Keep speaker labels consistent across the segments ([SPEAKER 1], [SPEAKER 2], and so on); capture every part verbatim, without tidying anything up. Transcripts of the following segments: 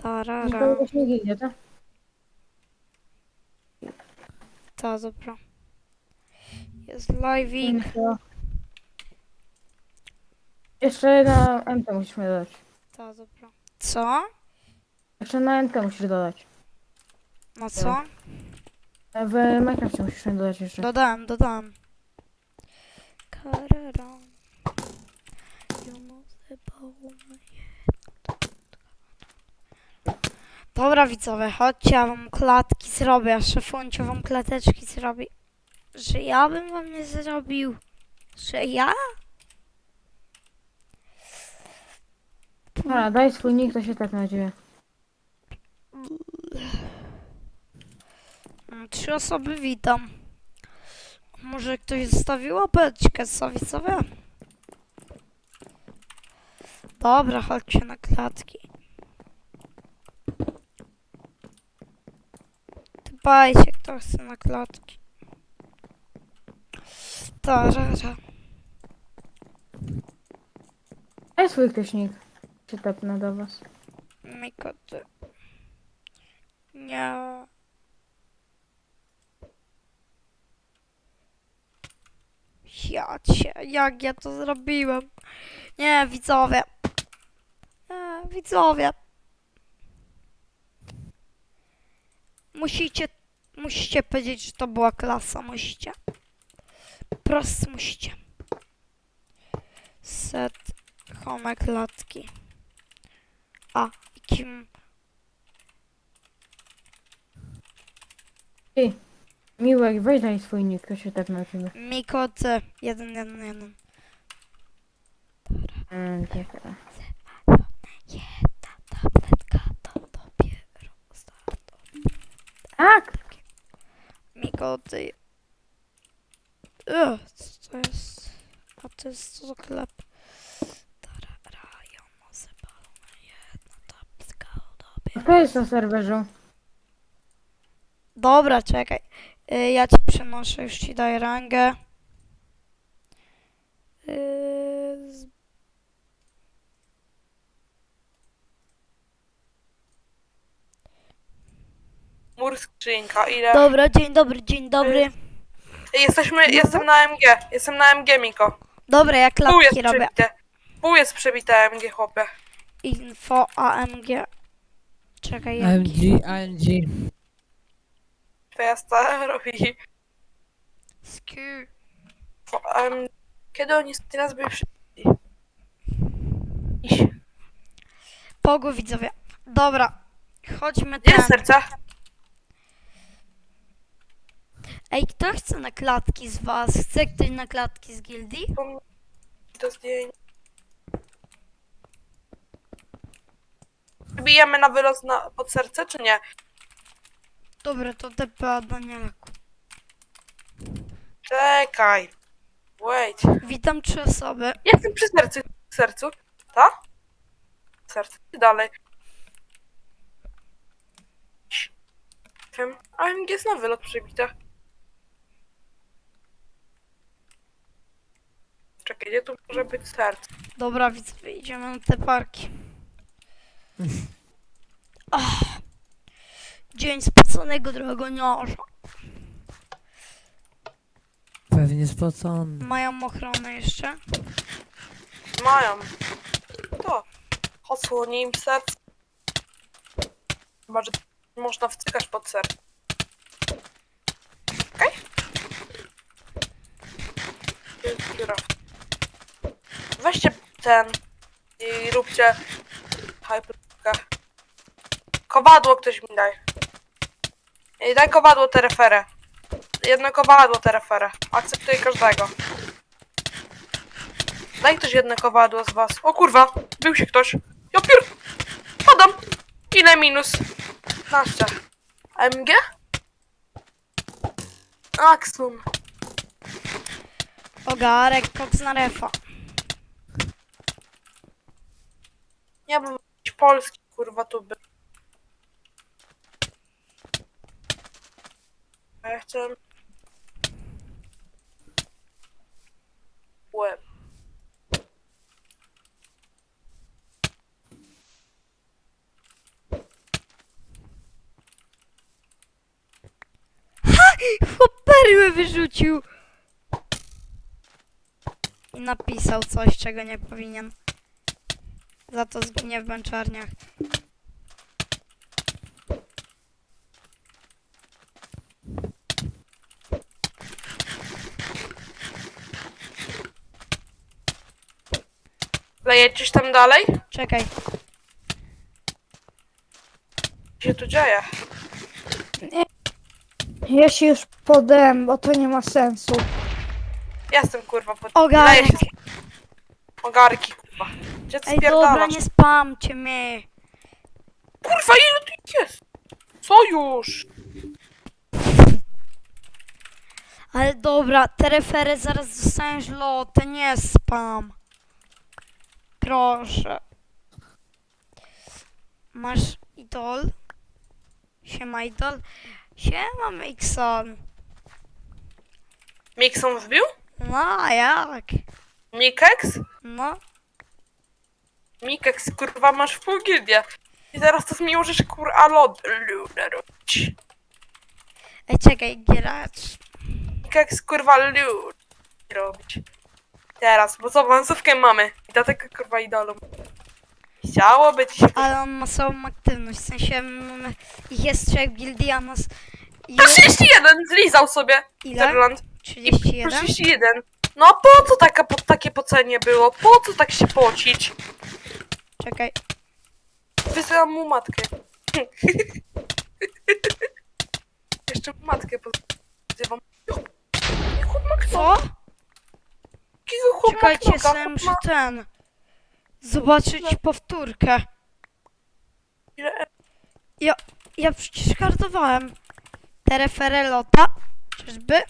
[SPEAKER 1] Tarara.
[SPEAKER 2] To jakoś nie ginie, tak?
[SPEAKER 1] Ta, dobra. Jest live'ik.
[SPEAKER 2] Info. Jeszcze na M T musisz mi dodać.
[SPEAKER 1] Ta, dobra. Co?
[SPEAKER 2] Jeszcze na M T musisz dodać.
[SPEAKER 1] No
[SPEAKER 2] Jo.
[SPEAKER 1] co?
[SPEAKER 2] W Minecrafcie musisz mi dodać jeszcze.
[SPEAKER 1] Dodałem, dodałem. Karara. You move the ball. Dobra widzowie, chodźcie, ja wam klatki zrobię, a szefuncio wam klateczki zrobi. Że ja bym wam nie zrobił. Że ja?
[SPEAKER 2] Dobra, daj swój nick, to się tak na ciebie.
[SPEAKER 1] Mm, Trzy osoby witam. Może ktoś zostawił łapeczkę, co widzowie? Dobra, chodźcie na klatki. Dbajcie, kto chce na klatki. Tarara.
[SPEAKER 2] Daj swój ktoś nick. Się tepnę do was.
[SPEAKER 1] Mikoty. Nie. Ja cię, jak ja to zrobiłem? Nie, widzowie. Nie, widzowie. Musicie, musicie powiedzieć, że to była klasa, musicie. Prosto musicie. Set home klatki. A, i kim?
[SPEAKER 2] Ty, Miłek, weź daj swój nick, to się tepnę na ciebie.
[SPEAKER 1] Mikoty. Jeden, jeden, jeden.
[SPEAKER 2] Mm, tak, tak.
[SPEAKER 1] Jedna tabletka to dopiero start.
[SPEAKER 2] Tak!
[SPEAKER 1] Mikoty. Ugh, co to jest? A to jest co za chleb? Tarara, ja może palona jedna tabletka dopiero.
[SPEAKER 2] Kto jest na serwerze?
[SPEAKER 1] Dobra, czekaj. Y, ja ci przenoszę, już ci daję rangę. Y, z-
[SPEAKER 3] Mur skrzynka, ile?
[SPEAKER 1] Dobra, dzień dobry, dzień dobry.
[SPEAKER 3] Jesteśmy, jestem na M G, jestem na M G, Miko.
[SPEAKER 1] Dobra, ja
[SPEAKER 3] Pół jest
[SPEAKER 1] klatki robię.
[SPEAKER 3] przebite. Pół jest przebite M G, chłopie.
[SPEAKER 1] Info A M G. Czekaj,
[SPEAKER 4] A M
[SPEAKER 1] jaki?
[SPEAKER 4] G, A M G.
[SPEAKER 3] Twoja stara robi.
[SPEAKER 1] Sku.
[SPEAKER 3] Um, kiedy oni teraz byli przebiti? Iś.
[SPEAKER 1] Pogu widzowie. Dobra, chodźmy
[SPEAKER 3] Gdzie
[SPEAKER 1] tam.
[SPEAKER 3] jest serce?
[SPEAKER 1] Ej, kto chce na klatki z was? Chce ktoś na klatki z gildii?
[SPEAKER 3] To zdjęcie. Bijemy na wyrost na, pod serce, czy nie?
[SPEAKER 1] Dobra, to T P A Danielaku.
[SPEAKER 3] Czekaj. Wait.
[SPEAKER 1] Witam trzy osoby.
[SPEAKER 3] Jestem przy sercu. Sercu. Ta? Serce. I dalej. Wiem. A M G jest na wylot przebite. Czekaj, gdzie tu może być serce?
[SPEAKER 1] Dobra, widzowie, idziemy na te parki. Ach, dzień spoconego drogoniarza.
[SPEAKER 4] Pewnie spocony.
[SPEAKER 1] Mają ochronę jeszcze.
[SPEAKER 3] Mają. To. Odsłoni im serce. Chyba, że można wcykać pod serce. Okej? Jest dziura. Weźcie ten i róbcie hyperkę. Kowadło ktoś mi daj. I daj kowadło tereferę. Jedno kowadło tereferę. Akceptuję każdego. Daj ktoś jedno kowadło z was. O kurwa, był się ktoś. Ja pier... Padam. Ile minus? piętnaście. M G? Axum.
[SPEAKER 1] Ogarek, koks na refa.
[SPEAKER 3] Nie wiem, jakiś polski kurwa tu był. A ja chcę... Łeb.
[SPEAKER 1] Chłop perły wyrzucił. I napisał coś, czego nie powinien. Za to zginie w męczarniach.
[SPEAKER 3] Lejecisz tam dalej?
[SPEAKER 1] Czekaj.
[SPEAKER 3] Co się tu dzieje?
[SPEAKER 2] Ja się już podem, bo to nie ma sensu.
[SPEAKER 3] Jestem kurwa pod...
[SPEAKER 1] Ogarek.
[SPEAKER 3] Leję się. Ogarki kurwa. Gdzie ty
[SPEAKER 1] Ej, dobra,
[SPEAKER 3] spierdalasz?
[SPEAKER 1] nie spamcie mnie.
[SPEAKER 3] Kurwa, ile tu ich jest? Co już?
[SPEAKER 1] Ale dobra, te refery zaraz dostaniesz lotę, nie spam. Proszę. Masz idol? Siema idol. Siema Mixon.
[SPEAKER 3] Mixon wbił?
[SPEAKER 1] No, a jak?
[SPEAKER 3] Mikex?
[SPEAKER 1] No.
[SPEAKER 3] Mikex, kurwa, masz w pół gildię. I teraz to mi możesz kurwa lod... ludę robić.
[SPEAKER 1] Ej, czekaj, gracz.
[SPEAKER 3] Mikex, kurwa, ludę robić. Teraz, bo co, lansówkę mamy. I dlatego kurwa idolą. Chciałoby ci się...
[SPEAKER 1] Ale on ma słabą aktywność, w sensie mamy, ich jest trzech w gildii, a nas...
[SPEAKER 3] To trzydzieści jeden zlizał sobie.
[SPEAKER 1] Ile?
[SPEAKER 3] Terland.
[SPEAKER 1] trzydzieści jeden?
[SPEAKER 3] trzydzieści jeden. No a po co taka, po, takie pocenie było? Po co tak się pocić?
[SPEAKER 1] Czekaj.
[SPEAKER 3] Wysyłam mu matkę. Jeszcze mu matkę pozywam. Chłop ma
[SPEAKER 1] Co?
[SPEAKER 3] knoka. Jakiego chłop ma
[SPEAKER 1] Czekajcie,
[SPEAKER 3] knoka?
[SPEAKER 1] sobie
[SPEAKER 3] Chłop
[SPEAKER 1] muszę
[SPEAKER 3] ma...
[SPEAKER 1] ten... Zobaczyć powtórkę.
[SPEAKER 3] Ile-
[SPEAKER 1] Ja, ja przecież kartowałem. Te refery lota. Czyżby?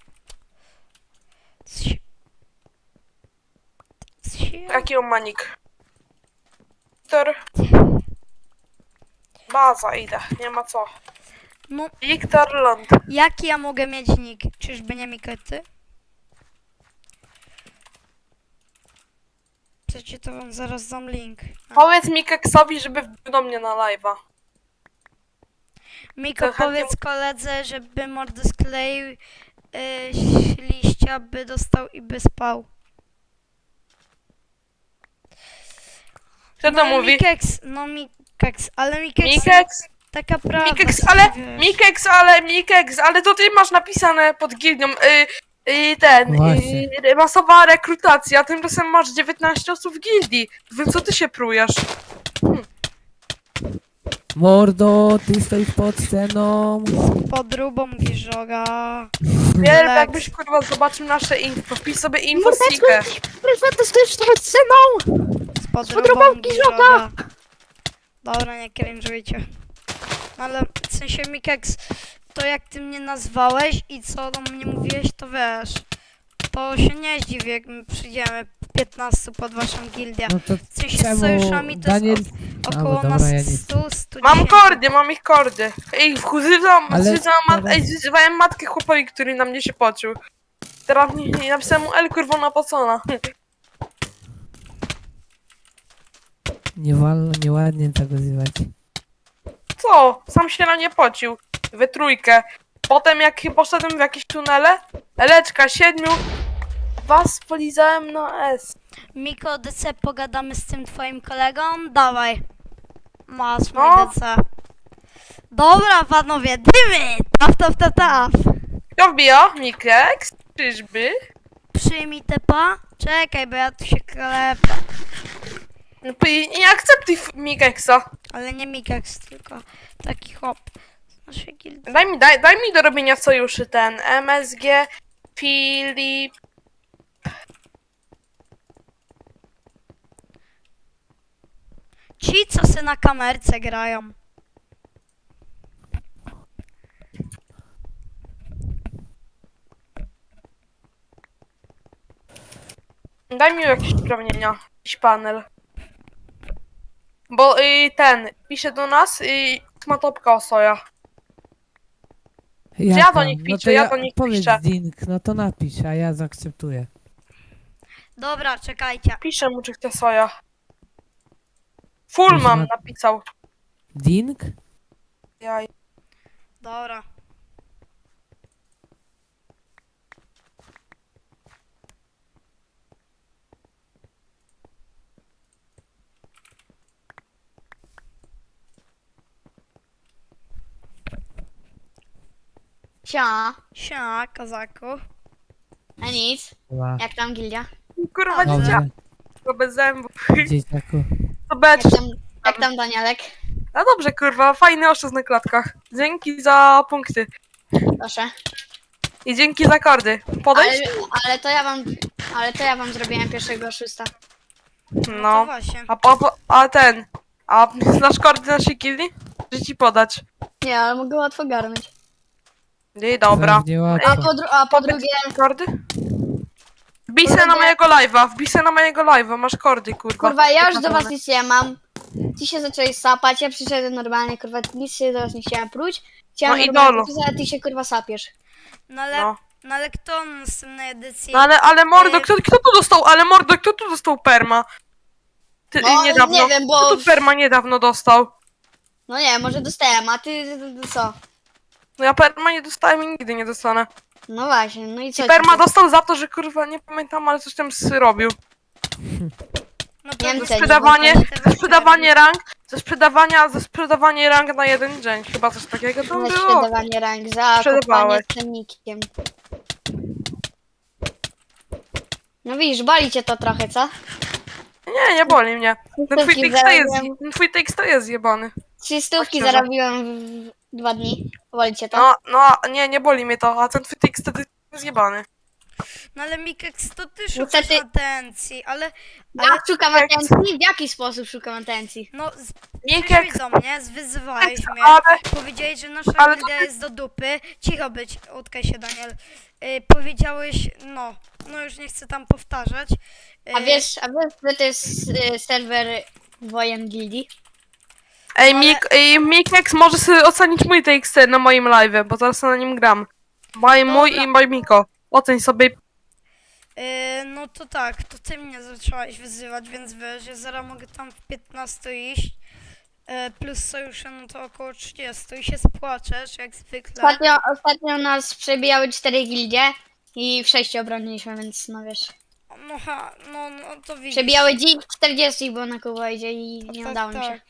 [SPEAKER 1] Ci- Ci-
[SPEAKER 3] Jaki on ma nick? Wiktor. Baza, idę. Nie ma co.
[SPEAKER 1] No,
[SPEAKER 3] Wiktor Lund.
[SPEAKER 1] jaki ja mogę mieć nick? Czyżby nie Mikety? Przecież to wam zaraz dam link.
[SPEAKER 3] Powiedz Mikeksowi, żeby wbił do mnie na live'a.
[SPEAKER 1] Miko,
[SPEAKER 3] to chętnie-
[SPEAKER 1] powiedz koledze, żeby mordę skleił yy, liścia, by dostał i by spał.
[SPEAKER 3] Kto to
[SPEAKER 1] no,
[SPEAKER 3] mówi?
[SPEAKER 1] Mikeks, no Mikeks, ale Mikeks,
[SPEAKER 3] Mikeks?
[SPEAKER 1] taka prawda.
[SPEAKER 3] Mikeks,
[SPEAKER 1] co
[SPEAKER 3] ale...
[SPEAKER 1] wiesz.
[SPEAKER 3] Mikeks, ale... Mikeks, ale to ty masz napisane pod gildią. Y, y, ten...
[SPEAKER 4] Właśnie.
[SPEAKER 3] Y, masowa rekrutacja. Tymczasem masz dziewiętnaście osób w gildii. Więc co ty się prujesz?
[SPEAKER 4] Mordo, ty stoisz pod sceną.
[SPEAKER 1] Podróbą mówisz, żoga.
[SPEAKER 3] Wiele
[SPEAKER 1] Relax.
[SPEAKER 3] jakbyś kurwa zobaczył nasze info. Wpisz sobie infosikę.
[SPEAKER 2] Proszę, to stoisz pod sceną!
[SPEAKER 1] Z podróbą
[SPEAKER 2] Podróbą
[SPEAKER 1] mówisz,
[SPEAKER 2] żoga.
[SPEAKER 1] żoga. Dobra, nie cringe'ujcie. Ale w sensie Mikeks, to jak ty mnie nazwałeś i co do mnie mówiłeś, to wiesz. To się nie zdziwię, jak my przyjdziemy piętnaście pod waszą gildię.
[SPEAKER 4] No to
[SPEAKER 1] W sensie z
[SPEAKER 4] czemu
[SPEAKER 1] sojuszami to
[SPEAKER 4] Daniel...
[SPEAKER 1] jest o,
[SPEAKER 4] A,
[SPEAKER 1] około
[SPEAKER 4] bo dobra,
[SPEAKER 1] nas
[SPEAKER 4] ja nie
[SPEAKER 1] sto, sto
[SPEAKER 3] Mam kordy, mam ich kordy. Ej, wzywam,
[SPEAKER 4] Ale
[SPEAKER 3] wzywam, mat,
[SPEAKER 4] teraz-
[SPEAKER 3] ej, wzywałem matkę chłopowi, który na mnie się pocił. Teraz nie, nie napisałem mu El kurwa pocona.
[SPEAKER 4] Nie wolno, nieładnie tak nazywać.
[SPEAKER 3] Co? Sam się na nie pocił. We trójkę. Potem jak poszedłem w jakieś tunele, Eleczka, siedmiu, was polizałem na S.
[SPEAKER 1] Miko, D C, pogadamy z tym twoim kolegą? Dawaj. Masz mój
[SPEAKER 3] No.
[SPEAKER 1] D C. Dobra, panowie, dymy! Taf, taf, taf, taf.
[SPEAKER 3] Kto wbija? Mikeks? Czyżby?
[SPEAKER 1] Przyjmij tepa. Czekaj, bo ja tu się klepę.
[SPEAKER 3] No, p- nie akceptuj f- Mikeksa.
[SPEAKER 1] Ale nie Mikex, tylko taki hop z naszej gildii.
[SPEAKER 3] Daj mi, daj, daj mi do robienia sojuszy ten M S G, Filip.
[SPEAKER 1] Ci, co se na kamerce grają.
[SPEAKER 3] Daj mi jakieś uprawnienia, jakiś panel. Bo y, ten, pisze do nas y, ma topka osoja. ja
[SPEAKER 4] Jaka?
[SPEAKER 3] do nich
[SPEAKER 4] no
[SPEAKER 3] piszę,
[SPEAKER 4] to
[SPEAKER 3] ja do nich
[SPEAKER 4] powiedz
[SPEAKER 3] piszę.
[SPEAKER 4] Dink, no to napisz, a ja zaakceptuję.
[SPEAKER 1] Dobra, czekajcie.
[SPEAKER 3] Piszę mu, czy chce soja. Full
[SPEAKER 4] Już
[SPEAKER 3] mam
[SPEAKER 4] na-
[SPEAKER 3] napisał.
[SPEAKER 4] Dink?
[SPEAKER 3] Jaj.
[SPEAKER 1] Dobra.
[SPEAKER 5] Cia,
[SPEAKER 1] Siema, kozaku.
[SPEAKER 5] a nic.
[SPEAKER 4] Chyba.
[SPEAKER 5] Jak tam gildia?
[SPEAKER 3] Kurwa,
[SPEAKER 1] Dobrze.
[SPEAKER 3] dzieciak,
[SPEAKER 4] Dobrze,
[SPEAKER 3] bez zębów.
[SPEAKER 4] dzieciaku.
[SPEAKER 3] To becz.
[SPEAKER 5] Jak tam, jak tam Danielek?
[SPEAKER 3] No dobrze, kurwa, fajny oszust na klatkach. Dzięki za punkty.
[SPEAKER 5] Proszę.
[SPEAKER 3] I dzięki za kordy.
[SPEAKER 5] Ale,
[SPEAKER 3] Podejść?
[SPEAKER 5] ale to ja wam, ale to ja wam zrobiłem pierwszego oszusta.
[SPEAKER 1] No to
[SPEAKER 3] No.
[SPEAKER 1] właśnie.
[SPEAKER 3] A, a, a ten... A znasz kordy naszej gildii? Że ci podać.
[SPEAKER 5] Nie, ale mogę łatwo garnąć.
[SPEAKER 3] I dobra.
[SPEAKER 4] Pewnie
[SPEAKER 5] A
[SPEAKER 4] łatwo.
[SPEAKER 5] po, dru- a po
[SPEAKER 3] Powiedz
[SPEAKER 5] drugie,
[SPEAKER 3] kordy? Wbij se na
[SPEAKER 5] Kordy.
[SPEAKER 3] mojego live'a, wbij se na mojego live'a, masz kordy, kurwa.
[SPEAKER 5] kurwa, ja już do was nic nie mam. Ci się zaczęli sapać, ja przyszedłem normalnie, kurwa, nic się do was nie chciałem próć. Chciałem
[SPEAKER 3] No i
[SPEAKER 5] normalnie
[SPEAKER 3] dolu.
[SPEAKER 5] pisać, a ty się kurwa sapiesz.
[SPEAKER 1] No ale,
[SPEAKER 3] No.
[SPEAKER 1] no ale kto na następnej edycji?
[SPEAKER 3] No ale, ale mordo,
[SPEAKER 1] Ej.
[SPEAKER 3] kto, kto tu dostał, ale mordo, kto tu dostał perma? Ty,
[SPEAKER 5] No,
[SPEAKER 3] niedawno.
[SPEAKER 5] nie wiem, bo-
[SPEAKER 3] Kto tu perma niedawno dostał?
[SPEAKER 5] No nie, może dostałem, a ty, ty, ty co?
[SPEAKER 3] No ja perma nie dostałem i nigdy nie dostanę.
[SPEAKER 5] No właśnie, no i co?
[SPEAKER 3] I
[SPEAKER 5] ci
[SPEAKER 3] perma
[SPEAKER 5] to?
[SPEAKER 3] dostał za to, że kurwa, nie pamiętam, ale coś tam zrobił.
[SPEAKER 1] No to
[SPEAKER 5] Niemcy,
[SPEAKER 1] za
[SPEAKER 3] Sprzedawanie,
[SPEAKER 1] te
[SPEAKER 3] za sprzedawanie rank, ze sprzedawania, za sprzedawanie rank na jeden dzień. Chyba coś takiego tam
[SPEAKER 5] Na
[SPEAKER 3] było.
[SPEAKER 5] sprzedawanie rank za kopanie
[SPEAKER 3] Sprzedawałeś.
[SPEAKER 5] z cennikiem. No widzisz, boli cię to trochę, co?
[SPEAKER 3] Nie, nie boli mnie. Ten twój
[SPEAKER 5] Stówki
[SPEAKER 3] tekst to jest,
[SPEAKER 5] zarobiłem,
[SPEAKER 3] ten twój tekst to jest zjebany.
[SPEAKER 5] trzy stówki
[SPEAKER 3] szczerze.
[SPEAKER 5] zarobiłem w dwa dni. Boli cię to?
[SPEAKER 3] No, no, nie, nie boli mnie to, a ten twój tekst to jest zjebany.
[SPEAKER 1] No ale Mikex, to ty
[SPEAKER 5] No
[SPEAKER 1] szukasz
[SPEAKER 5] ty-
[SPEAKER 1] atencji, ale...
[SPEAKER 5] Ja szukam
[SPEAKER 3] jak-
[SPEAKER 5] atencji? W jaki sposób szukam atencji?
[SPEAKER 1] No, z-
[SPEAKER 3] Mikek,
[SPEAKER 1] przyszłeś do mnie, zwyzywałeś mnie,
[SPEAKER 3] ale
[SPEAKER 1] powiedziałeś, że nasza
[SPEAKER 3] Ale to
[SPEAKER 1] gildia
[SPEAKER 3] ty-
[SPEAKER 1] jest do dupy. Cicho być, utkaj się, Daniel. Y, powiedziałeś, no, no już nie chcę tam powtarzać. Y,
[SPEAKER 5] A wiesz, a wiesz, że to jest y, serwer wojen gildii?
[SPEAKER 3] Ej,
[SPEAKER 1] ale-
[SPEAKER 3] Mik, ej, Mikex może sobie ocenić mój T X T na moim live, bo teraz na nim gram. Mój, mój
[SPEAKER 1] Dobra.
[SPEAKER 3] i mój Miko. Oceń sobie.
[SPEAKER 1] y, no to tak, to ty mnie zacząłeś wyzywać, więc wiesz, ja zaraz mogę tam w piętnaście iść. Y, plus sojusze, no to około trzydzieści i się spłaczesz, jak zwykle.
[SPEAKER 5] Ostatnio, ostatnio nas przebijały cztery gildie i w sześciu obroniliśmy, więc no wiesz.
[SPEAKER 1] No ha, no, no to widzisz.
[SPEAKER 5] Przebijały dziś czterdzieści, bo na Kuwajdzie i nie
[SPEAKER 1] Tak,
[SPEAKER 5] udało mi się.
[SPEAKER 1] tak.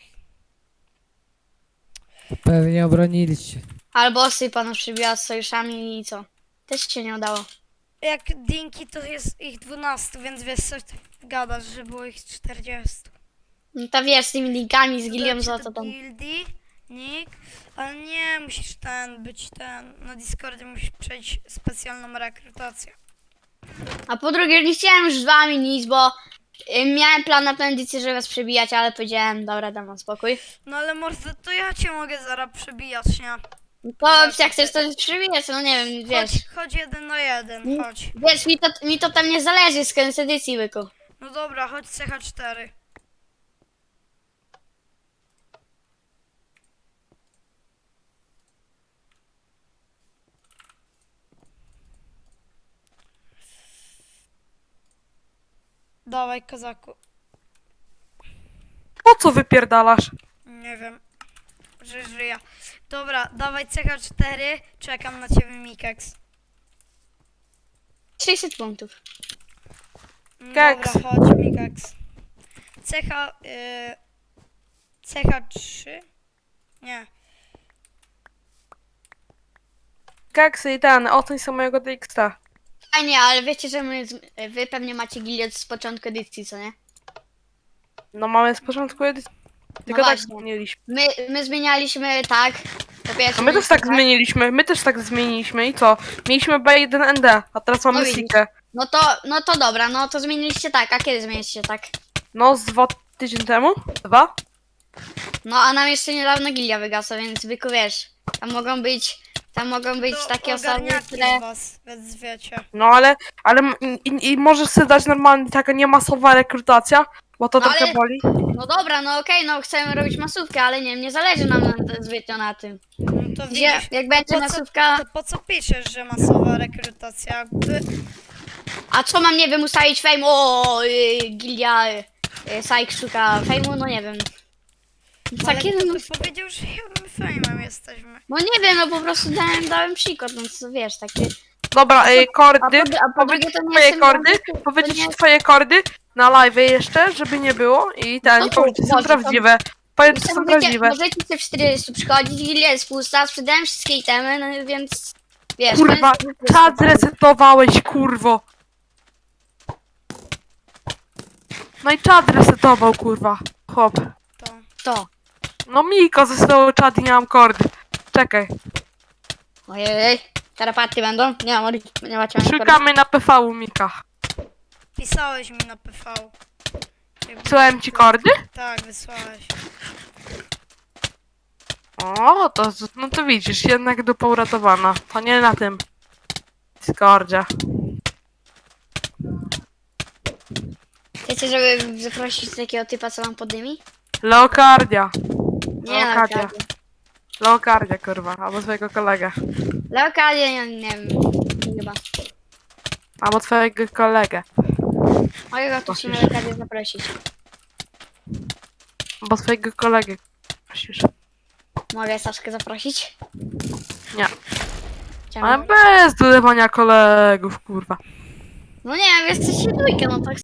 [SPEAKER 4] Pewnie obroniliście.
[SPEAKER 5] Albo Sypa nas przebiła z sojuszami i co? Też się nie udało.
[SPEAKER 1] Jak Dinki to jest ich dwanaście, więc wiesz co ty gadasz, że było ich czterdzieści.
[SPEAKER 5] No to wiesz, z tymi linkami, z gildią,
[SPEAKER 1] Dodam
[SPEAKER 5] za
[SPEAKER 1] cię
[SPEAKER 5] co
[SPEAKER 1] do
[SPEAKER 5] tam.
[SPEAKER 1] Gildii, nick, ale nie, musisz ten, być ten, na Discordzie musisz przejść specjalną rekrutację.
[SPEAKER 5] A po drugie, nie chciałem już z wami nic, bo y, miałem plan na tę edycję, żeby was przebijać, ale powiedziałem, dobra, dam wam spokój.
[SPEAKER 1] No ale mordo, to ja cię mogę zaraz przebijać, nie?
[SPEAKER 5] To jak chcesz to przebijać, no nie wiem, wiesz.
[SPEAKER 1] Chodź, chodź jeden na jeden, chodź.
[SPEAKER 5] Wiesz, mi to, mi to tam nie zależy z koniec edycji, byku.
[SPEAKER 1] No dobra, chodź C H cztery. Dawaj, kozaku.
[SPEAKER 3] Po co wypierdalasz?
[SPEAKER 1] Nie wiem, że żyję. Dobra, dawaj C H cztery, czekam na ciebie, Mikex.
[SPEAKER 5] sześćset punktów.
[SPEAKER 1] Mm,
[SPEAKER 3] Keks.
[SPEAKER 1] Dobra, chodź, Mikex. C H... Y, C H trzy? Nie.
[SPEAKER 3] Keksy i ten, oceń sobie mojego T X T.
[SPEAKER 5] Fajnie, ale wiecie, że my, z- wy pewnie macie gildię z początku edycji, co nie?
[SPEAKER 3] No mamy z początku edycji. Tylko
[SPEAKER 5] No
[SPEAKER 3] tak
[SPEAKER 5] właśnie.
[SPEAKER 3] zmieniliśmy.
[SPEAKER 5] My, my zmienialiśmy tak. Po pierwsze,
[SPEAKER 3] No my też tak
[SPEAKER 5] mieliśmy
[SPEAKER 3] zmieniliśmy, my też tak zmieniliśmy i co? Mieliśmy B jeden N D, a teraz mamy
[SPEAKER 5] No widzisz.
[SPEAKER 3] Sikę.
[SPEAKER 5] No to, no to dobra, no to zmieniliście tak. A kiedy zmieniliście tak?
[SPEAKER 3] No z dwa tydzień temu? Dwa?
[SPEAKER 5] No a nam jeszcze niedawno gildia wygasła, więc byku wiesz, tam mogą być, tam mogą być
[SPEAKER 1] To
[SPEAKER 5] takie osoby,
[SPEAKER 1] ogarniaki
[SPEAKER 5] które...
[SPEAKER 1] z was, więc wiecie.
[SPEAKER 3] No ale, ale m- i, i możesz sobie dać normalnie taka niemasowa rekrutacja, bo to
[SPEAKER 5] No
[SPEAKER 3] trochę
[SPEAKER 5] ale-
[SPEAKER 3] boli.
[SPEAKER 5] No dobra, no okej, no chcemy robić masówkę, ale nie, nie zależy nam na, zbytnio na tym.
[SPEAKER 1] No to
[SPEAKER 5] Gdzie,
[SPEAKER 1] widzisz,
[SPEAKER 5] jak będzie
[SPEAKER 1] po co-
[SPEAKER 5] masówka,
[SPEAKER 1] to po co piszesz, że masowa rekrutacja? Jakby...
[SPEAKER 5] a co mam, nie wiem, ustalić fejmu, o, y, gildia, y, y, Sajk szuka fejmu, no nie wiem.
[SPEAKER 1] Ale
[SPEAKER 5] Takie,
[SPEAKER 1] kto
[SPEAKER 5] no,
[SPEAKER 1] by powiedział, że my fejmem jesteśmy?
[SPEAKER 5] no nie wiem, no po prostu dałem, dałem przykład, no co wiesz, takie...
[SPEAKER 3] Dobra, ej,
[SPEAKER 5] A
[SPEAKER 3] kordy,
[SPEAKER 5] po, a po
[SPEAKER 3] powiedzieć
[SPEAKER 5] drugie to nie
[SPEAKER 3] twoje
[SPEAKER 5] jestem...
[SPEAKER 3] kordy,
[SPEAKER 5] to
[SPEAKER 3] powiedzieć
[SPEAKER 5] nie-
[SPEAKER 3] twoje kordy na live jeszcze, żeby nie było i ten,
[SPEAKER 5] No
[SPEAKER 3] i
[SPEAKER 5] to
[SPEAKER 3] powiedzieć, że są
[SPEAKER 5] może, to-
[SPEAKER 3] prawdziwe. Powiem, że
[SPEAKER 5] Możecie,
[SPEAKER 3] są prawdziwe.
[SPEAKER 5] możecie sobie w czterdzieści przychodzić, gildia jest pusta, sprzedałem wszystkie itemy, no więc... Wiesz,
[SPEAKER 3] Kurwa,
[SPEAKER 5] koniec-
[SPEAKER 3] czat zresetowałeś, kurwo. No i czat resetował, kurwa. Hop.
[SPEAKER 1] To.
[SPEAKER 5] To.
[SPEAKER 3] No Miko zestował czat i nie mam kordy. Czekaj,
[SPEAKER 5] Ojej, tarapaty będą? Nie mam, nie macie
[SPEAKER 3] szukamy na P V u Mika.
[SPEAKER 1] Pisałeś mi na P V. Jak
[SPEAKER 3] Wysłałem ci kordy?
[SPEAKER 1] Tak, wysłałeś.
[SPEAKER 3] O, to, no to widzisz, jednak dupa uratowana. To nie na tym Discordzie.
[SPEAKER 5] Chcecie, żeby zaprosić takiego typa, co wam poddymi?
[SPEAKER 3] Leokardia.
[SPEAKER 5] Nie,
[SPEAKER 3] Leokardia.
[SPEAKER 5] Leokadia.
[SPEAKER 3] Leokardia, kurwa, albo swojego kolegę.
[SPEAKER 5] Leokadia, nie, nie wiem, chyba.
[SPEAKER 3] Albo twojego kolegę.
[SPEAKER 5] Mojego tu musimy Leokadię zaprosić.
[SPEAKER 3] Albo swojego kolegę. Prosisz.
[SPEAKER 5] Mogę Saszkę zaprosić?
[SPEAKER 3] Nie.
[SPEAKER 5] Czemu?
[SPEAKER 3] Ale bez dodawania kolegów, kurwa.
[SPEAKER 5] No nie wiem, jesteście dwójkę, no tak